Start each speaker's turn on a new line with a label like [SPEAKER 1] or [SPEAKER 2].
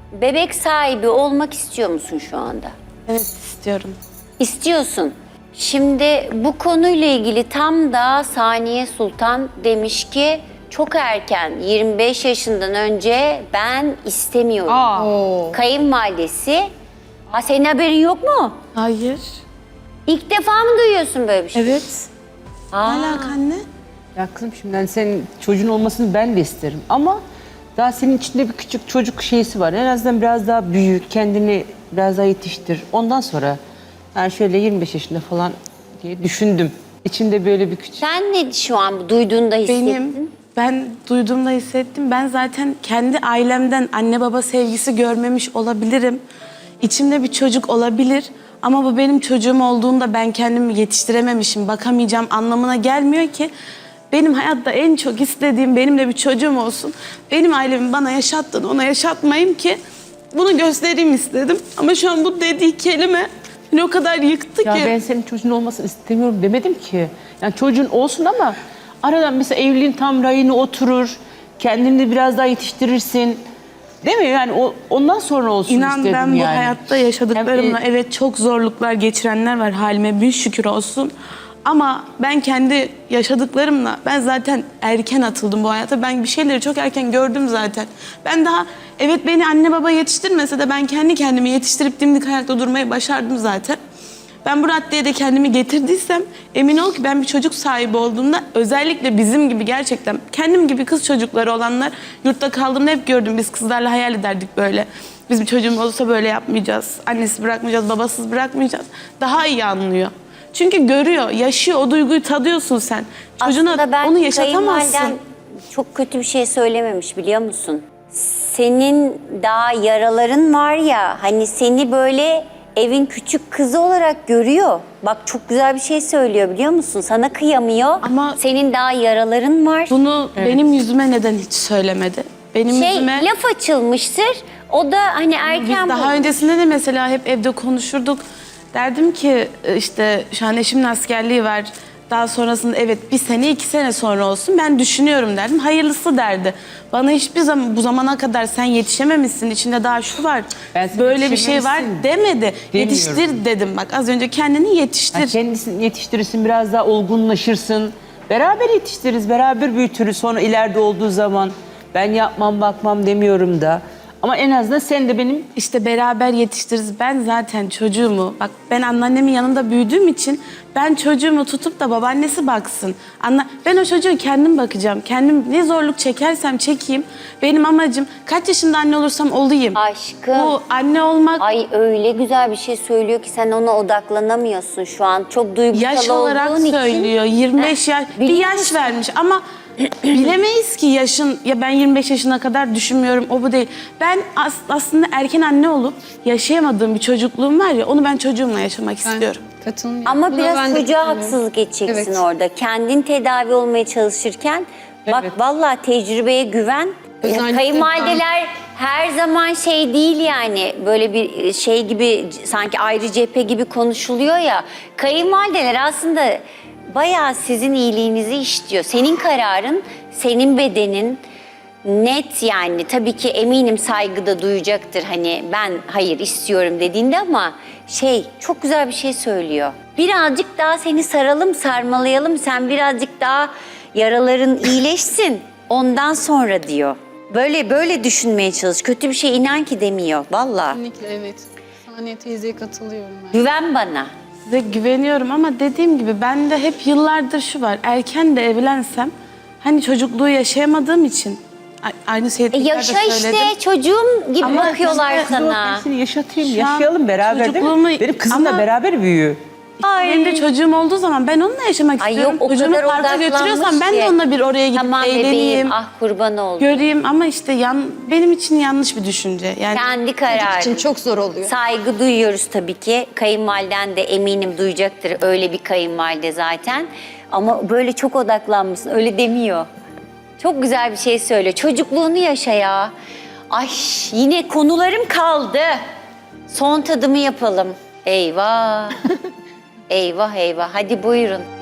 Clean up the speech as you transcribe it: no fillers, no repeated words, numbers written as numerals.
[SPEAKER 1] bebek sahibi olmak istiyor musun şu anda?
[SPEAKER 2] Evet istiyorum.
[SPEAKER 1] İstiyorsun. Şimdi bu konuyla ilgili tam da Saniye Sultan demiş ki çok erken 25 yaşından önce ben istemiyorum. Kayınvalidesi. Senin haberin yok mu?
[SPEAKER 2] Hayır.
[SPEAKER 1] İlk defa mı duyuyorsun böyle bir şey?
[SPEAKER 2] Evet. Ne alaka anne?
[SPEAKER 3] Ya kızım şimdi hani senin çocuğun olmasını ben de isterim ama daha senin içinde bir küçük çocuk şeysi var. En azından biraz daha büyük, kendini biraz daha yetiştir. Ondan sonra yani şöyle 25 yaşında falan diye düşündüm. İçimde böyle bir küçük...
[SPEAKER 1] Sen ne şu an duyduğunda hissettin?
[SPEAKER 2] Ben duyduğumda hissettim. Ben zaten kendi ailemden anne baba sevgisi görmemiş olabilirim. İçimde bir çocuk olabilir. Ama bu benim çocuğum olduğunda ben kendimi yetiştirememişim, bakamayacağım anlamına gelmiyor ki. Benim hayatta en çok istediğim benim de bir çocuğum olsun. Benim ailemin bana yaşattığını ona yaşatmayayım ki bunu göstereyim istedim. Ama şu an bu dediği kelime beni o kadar yıktı
[SPEAKER 3] Ya
[SPEAKER 2] ki.
[SPEAKER 3] ben senin çocuğun olmasını istemiyorum demedim ki. Yani çocuğun olsun ama aradan mesela evliliğin tam rayına oturur. Kendini de biraz daha yetiştirirsin. Değil mi? Yani ondan sonra olsun
[SPEAKER 2] İnan
[SPEAKER 3] istedim
[SPEAKER 2] ben bu
[SPEAKER 3] yani.
[SPEAKER 2] hayatta yaşadıklarımla evet çok zorluklar geçirenler var, halime bin şükür olsun. Ama ben kendi yaşadıklarımla ben zaten erken atıldım bu hayata. Ben bir şeyleri çok erken gördüm zaten. Ben daha evet beni anne baba yetiştirmese de ben kendi kendimi yetiştirip dimdik ayakta durmayı başardım zaten. Ben bu raddeye de kendimi getirdiysem emin ol ki ben bir çocuk sahibi olduğumda özellikle bizim gibi gerçekten kendim gibi kız çocukları olanlar yurtta kaldığımda hep gördüm. Biz kızlarla hayal ederdik böyle. Biz bir çocuğumuz olursa böyle yapmayacağız. Annesi bırakmayacağız, babasız bırakmayacağız. Daha iyi anlıyor. Çünkü görüyor, yaşıyor, o duyguyu tadıyorsun sen. Çocuğuna
[SPEAKER 1] Aslında ben
[SPEAKER 2] onu yaşatamazsın.
[SPEAKER 1] kayınvaliden çok kötü bir şey söylememiş biliyor musun? Senin daha yaraların var ya hani seni böyle evin küçük kızı olarak görüyor. Bak çok güzel bir şey söylüyor biliyor musun? Sana kıyamıyor.
[SPEAKER 2] Ama
[SPEAKER 1] senin daha yaraların var.
[SPEAKER 2] Bunu benim yüzüme neden hiç söylemedi? Benim yüzüme...
[SPEAKER 1] Laf açılmıştır. O da hani erken...
[SPEAKER 2] Biz daha öncesinde de mesela hep evde konuşurduk. Derdim ki işte şu an eşimin askerliği var. Daha sonrasında evet 1 sene 2 sene sonra olsun ben düşünüyorum derdim. Hayırlısı derdi. Bana hiçbir zaman bu zamana kadar sen yetişememişsin. İçinde daha şu var. Böyle bir şey var demedi. Yetiştir dedim bak az önce kendini yetiştir.
[SPEAKER 3] Yani kendisini yetiştirirsin, biraz daha olgunlaşırsın. Beraber yetiştiririz, beraber büyütürüz. Sonra ileride olduğu zaman ben yapmam bakmam demiyorum da. Ama en azından sen de benim...
[SPEAKER 2] İşte beraber yetiştiririz. Ben zaten çocuğumu, bak ben anneannemin yanında büyüdüğüm için ben çocuğumu tutup da babaannesi baksın. Ben o çocuğu kendim bakacağım. Kendim ne zorluk çekersem çekeyim. Benim amacım kaç yaşında anne olursam olayım.
[SPEAKER 1] Aşkım.
[SPEAKER 2] Bu anne olmak
[SPEAKER 1] Ay öyle güzel bir şey söylüyor ki sen ona odaklanamıyorsun şu an. Çok duygusal
[SPEAKER 2] yaş olarak
[SPEAKER 1] olduğun için.
[SPEAKER 2] söylüyor. 25 yaş, bir
[SPEAKER 1] biliyor
[SPEAKER 2] yaş
[SPEAKER 1] musun?
[SPEAKER 2] vermiş ama bilemeyiz ki yaşın, ya ben 25 yaşına kadar düşünmüyorum, o bu değil. Ben aslında erken anne olup yaşayamadığım bir çocukluğum var ya, onu ben çocuğumla yaşamak istiyorum.
[SPEAKER 4] Katılmıyorum.
[SPEAKER 1] Ama
[SPEAKER 4] Buna
[SPEAKER 1] biraz
[SPEAKER 4] ben de
[SPEAKER 1] çocuğa
[SPEAKER 4] katılıyorum.
[SPEAKER 1] haksızlık edeceksin
[SPEAKER 4] Evet.
[SPEAKER 1] orada. Kendin tedavi olmaya çalışırken bak
[SPEAKER 3] Evet.
[SPEAKER 1] vallahi tecrübeye güven.
[SPEAKER 4] Özellikle
[SPEAKER 1] Kayınvalideler her zaman şey değil yani böyle bir şey gibi sanki ayrı cephe gibi konuşuluyor ya. Kayınvalideler aslında bayağı sizin iyiliğinizi istiyor. Senin kararın, senin bedenin net yani tabii ki eminim saygıda duyacaktır hani ben hayır istiyorum dediğinde ama çok güzel bir şey söylüyor. Birazcık daha seni saralım, sarmalayalım. Sen birazcık daha yaraların iyileşsin. Ondan sonra diyor. Böyle düşünmeye çalış. Kötü bir şey inan ki demiyor. Vallahi.
[SPEAKER 4] Kesinlikle evet. Saniye teyzeye katılıyorum ben.
[SPEAKER 1] Güven bana.
[SPEAKER 2] Size güveniyorum ama dediğim gibi bende hep yıllardır şu var. Erken de evlensem hani çocukluğu yaşayamadığım için aynı şeyi tekrar da
[SPEAKER 1] Yaşa
[SPEAKER 2] söyledim.
[SPEAKER 1] işte çocuğum gibi
[SPEAKER 2] Ama
[SPEAKER 1] bakıyorlar
[SPEAKER 2] işte
[SPEAKER 1] sana.
[SPEAKER 3] Ben seni yaşatayım,
[SPEAKER 2] Şu an
[SPEAKER 3] yaşayalım beraber değil mi?
[SPEAKER 2] çocukluğumu-
[SPEAKER 3] Benim kızımla
[SPEAKER 2] Ama-
[SPEAKER 3] beraber büyüyor.
[SPEAKER 2] Benim de çocuğum olduğu zaman ben onunla yaşamak
[SPEAKER 1] Ay
[SPEAKER 2] istiyorum.
[SPEAKER 1] yok o
[SPEAKER 2] Çocuğumu
[SPEAKER 1] kadar
[SPEAKER 2] parka götürüyorsam
[SPEAKER 1] odaklanmış
[SPEAKER 2] ben de
[SPEAKER 1] ki.
[SPEAKER 2] onunla bir oraya gidip
[SPEAKER 1] Tamam
[SPEAKER 2] eğleneyim,
[SPEAKER 1] bebeğim ah kurban oldum.
[SPEAKER 2] göreyim ama işte benim için yanlış bir düşünce. Yani
[SPEAKER 1] Kendi
[SPEAKER 4] Çocuk
[SPEAKER 1] kararı.
[SPEAKER 4] için çok zor oluyor.
[SPEAKER 1] Saygı duyuyoruz tabii ki. Kayınvaliden de eminim duyacaktır. Öyle bir kayınvalide zaten. Ama böyle çok odaklanmışsın. Öyle demiyor. Çok güzel bir şey söyle. Çocukluğunu yaşa ya. Ay yine konularım kaldı. Son tadımı yapalım. Eyvah. Eyvah eyvah. Hadi buyurun.